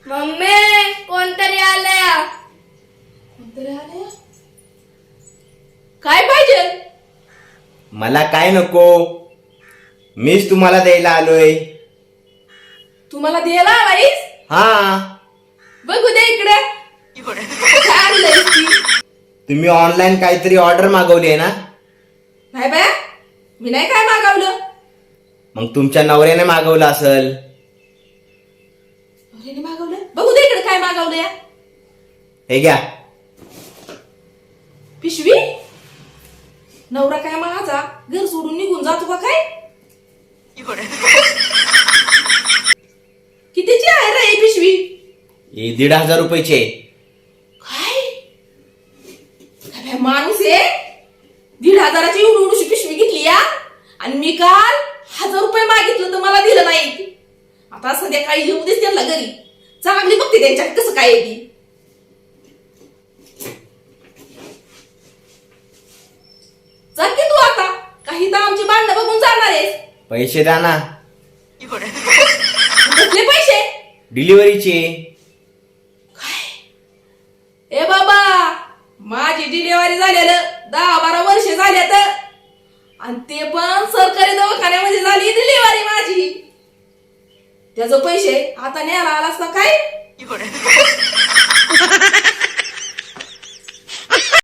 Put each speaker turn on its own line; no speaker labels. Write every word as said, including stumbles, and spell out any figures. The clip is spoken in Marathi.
मम्मी कोणतरी आलंय.
कोणतरी आलंय? काय पाहिजे?
मला काय नको, मीच तुम्हाला द्यायला आलोय.
तुम्हाला द्यायला आलायस?
हा,
बघू दे इकडे. काय आणलंयस ती?
तुम्ही ऑनलाईन काहीतरी ऑर्डर मागवली आहे ना?
नाही बाया, मी नाही काय मागवलं.
मग तुमच्या नवऱ्याने मागवलं असेल.
नवऱ्याने मागवलं? बघू दे इकडे काय मागवलंय.
हे घ्या.
पिशवी? नवरा काय माझा घर सोडून निघून जातो का काय? कितीची आहे रे ही पिशवी?
हे दीड हजार रुपयाचे.
काय काय माणूस आहे? दीड हजाराची एवढी एवढीशी पिशवी घेतली या, आणि मी काल हजार रुपये मागितलं तर मला दिलं नाही. आता संध्याकाळी येऊ देस त्यांना घरी, चांगली बघते त्यांच्यात कसं काय आहे ती. चल की तू आता, काही तर आमची भांडणं बघून जाणार आहेस.
पैसे द्या ना.
कसले पैसे?
डिलिव्हरीचे.
ए बाबा, माझी डिलिव्हरी झालेलं दहा बारा वर्ष झाले तर, आणि ते पण सरकारी दवाखान्यामध्ये झाली डिलिव्हरी माझी. त्याचे पैसे आता न्यायला आलास ना काय?